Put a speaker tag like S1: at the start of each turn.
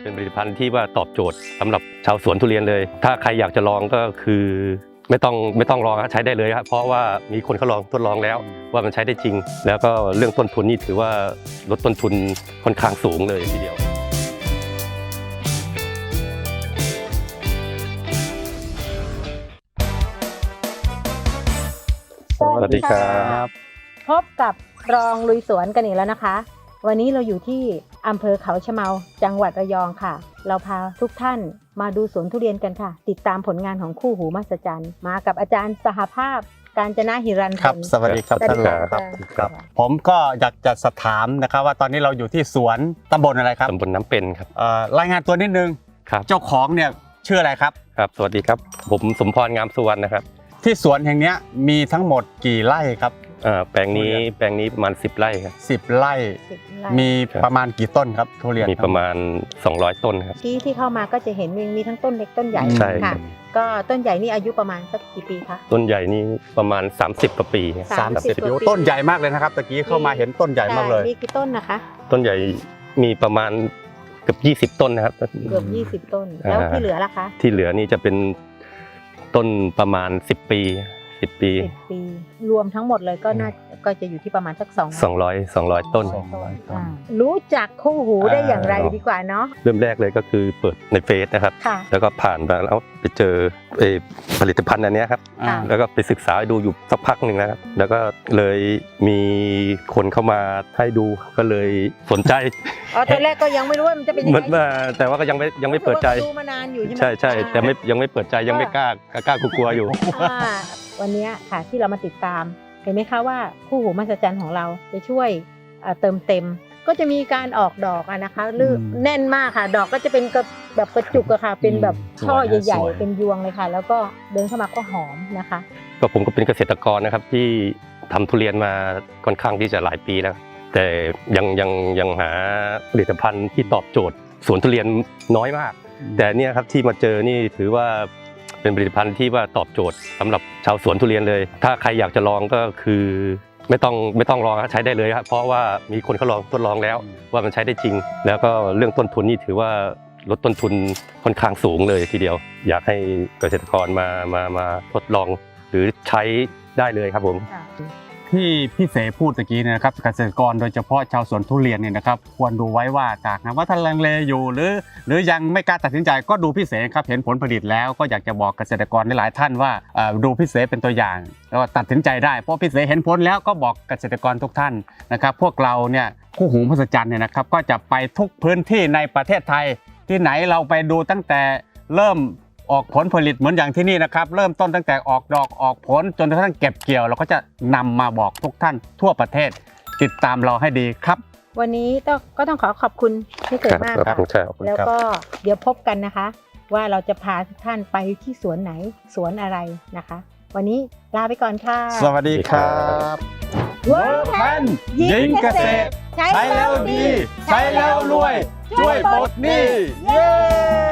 S1: เป็นผลิตภัณฑ์ที่ว่าตอบโจทย์สำหรับชาวสวนทุเรียนเลยถ้าใครอยากจะลองก็คือไม่ต้องลองใช้ได้เลยครับเพราะว่ามีคนเขาลองทดลองแล้วว่ามันใช้ได้จริงแล้วก็เรื่องต้นทุนนี่ถือว่าลดต้นทุนค่อนข้างสูงเลยทีเดียว
S2: สวัสดีครับ
S3: พบกับรองลุยสวนกันอีกแล้วนะคะวันนี้เราอยู่ที่อำเภอเขาชะเมาจังหวัดระยองค่ะเราพาทุกท่านมาดูสวนทุเรียนกันค่ะติดตามผลงานของคู่หูมหัศจรรย์มากับอาจารย์สหภาพกาญจนาหิรัน
S2: ครับสวัสดีครับท่านรองครับผมก็อยากจะสอบถามนะครับว่าตอนนี้เราอยู่ที่สวนตำบลอะไรครับ
S1: ตำบลน้ำเป็นครับ
S2: รายงานตัวนิดนึง
S1: ครับ
S2: เจ้าของเนี่ยชื่ออะไรครับ
S1: ครับสวัสดีครับผมสมพรงามสุวรรณนะครับ
S2: ที่สวนแห่งนี้มีทั้งหมดกี่ไร่ครับ
S1: แปลงนี้ประมาณ10 ไร่ครับ
S2: 10 ไร่มีประมาณกี่ต้นครับทุเรียน
S1: มีประมาณ200 ต้นครับ
S3: ที่เข้ามาก็จะเห็นมีทั้งต้นเล็กต้นใหญ่ค่ะก็ต้นใหญ่นี่อายุประมาณสักกี่ปีคะ
S1: ต้นใหญ่นี่ประมาณ30 กว่าปี
S2: 30 ปีต้นใหญ่มากเลยนะครับตะกี้เข้ามาเห็นต้นใหญ่มากเลย
S3: มีกี่ต้นนะคะ
S1: ต้นใหญ่มีประมาณเกือบ20 ต้นนะครับ
S3: เกือบ20 ต้นแล้วที่เหลือล่ะคะ
S1: ที่เหลือนี่จะเป็นต้นประมาณ10 ปี
S3: รวมทั้งหมดเลยก็จะอยู่ที่ประมาณสัก
S1: 200 ต้น
S3: รู้จักคู่หูได้อย่างไรดีกว่าเนาะ
S1: เริ่มแรกเลยก็คือเปิดในเฟซนะครับแล้วก็ผ่านมาแล้วไปเจอผลิตภัณฑ์อันนี้ครับแล้วก็ไปศึกษาดูอยู่สักพักหนึ่งนะครับแล้วก็เลยมีคนเข้ามาให้ดูก็เลยสนใจ
S3: ตอนแรกก็ยังไม่รู้ว่ามันจะเป็นยังไง
S1: แต่ว่าก็ยังไม่เปิดใจ
S3: ดูมานานอยู่ใช่ไหม
S1: ใช่แต่ยังไม่เปิดใจยังไม่กล้ากลัวอยู่
S3: วันนี้ค่ะที่เรามาติดตามเห็นไหมคะว่าคู่หูมหัศจรรย์ของเราจะช่วยเติมเต็มก็จะมีการออกดอกนะคะแน่นมากค่ะดอกก็จะเป็นแบบกระจุกอะค่ะเป็นแบบช่อใหญ่ๆเป็นยวงเลยค่ะแล้วก็เดินเข้ามาก็หอมนะคะ
S1: ก็ผมก็เป็นเกษตรกรนะครับที่ทำทุเรียนมาค่อนข้างที่จะหลายปีแล้วแต่ยังหาผลิตภัณฑ์ที่ตอบโจทย์สวนทุเรียนน้อยมากแต่เนี่ยครับที่มาเจอนี่ถือว่าเป็นผลิตภัณฑ์ที่ว่าตอบโจทย์สำหรับชาวสวนทุเรียนเลยถ้าใครอยากจะลองก็คือไม่ต้องลองใช้ได้เลยครับเพราะว่ามีคนเขาลองทดลองแล้วว่ามันใช้ได้จริงแล้วก็เรื่องต้นทุนนี่ถือว่าลดต้นทุนค่อนข้างสูงเลยทีเดียวอยากให้เกษตรกรมาทดลองหรือใช้ได้เลยครับผม
S2: ที่พี่เสพูดตะกี้นะครับเกษตรกรโดยเฉพาะชาวสวนทุเรียนเนี่ยนะครับควรดูไว้ว่าจากนะว่าท่านลังเลอยู่หรือยังไม่กล้าตัดสินใจก็ดูพี่เสครับเห็นผลผลิตแล้วก็อยากจะบอกเกษตรกรหลายท่านว่าดูพี่เสเป็นตัวอย่างแล้วตัดสินใจได้เพราะพี่เสเห็นผลแล้วก็บอกเกษตรกรทุกท่านนะครับพวกเราเนี่ยคู่หูมหัศจรรย์เนี่ยนะครับก็จะไปทุกพื้นที่ในประเทศไทยที่ไหนเราไปดูตั้งแต่เริ่มออกผลผลิตเหมือนอย่างที่นี่นะครับเริ่มต้นตั้งแต่ออกดอกออกผลจนกระทั่งเก็บเกี่ยวเราก็จะนำมาบอกทุกท่านทั่วประเทศติดตามเราให้ดีครับ
S3: วันนี้ก็ต้องขอบคุณพี่เกิดมากครับแล้วก็เดี๋ยวพบกันนะคะว่าเราจะพาทุกท่านไปที่สวนไหนสวนอะไรนะคะวันนี้ลาไปก่อนค่ะ
S2: สวัสดีครับเวิร์คแพนยิงเกษตรใช้แล้วดีใช้แล้วรวยช่วยปลดหนี้เย้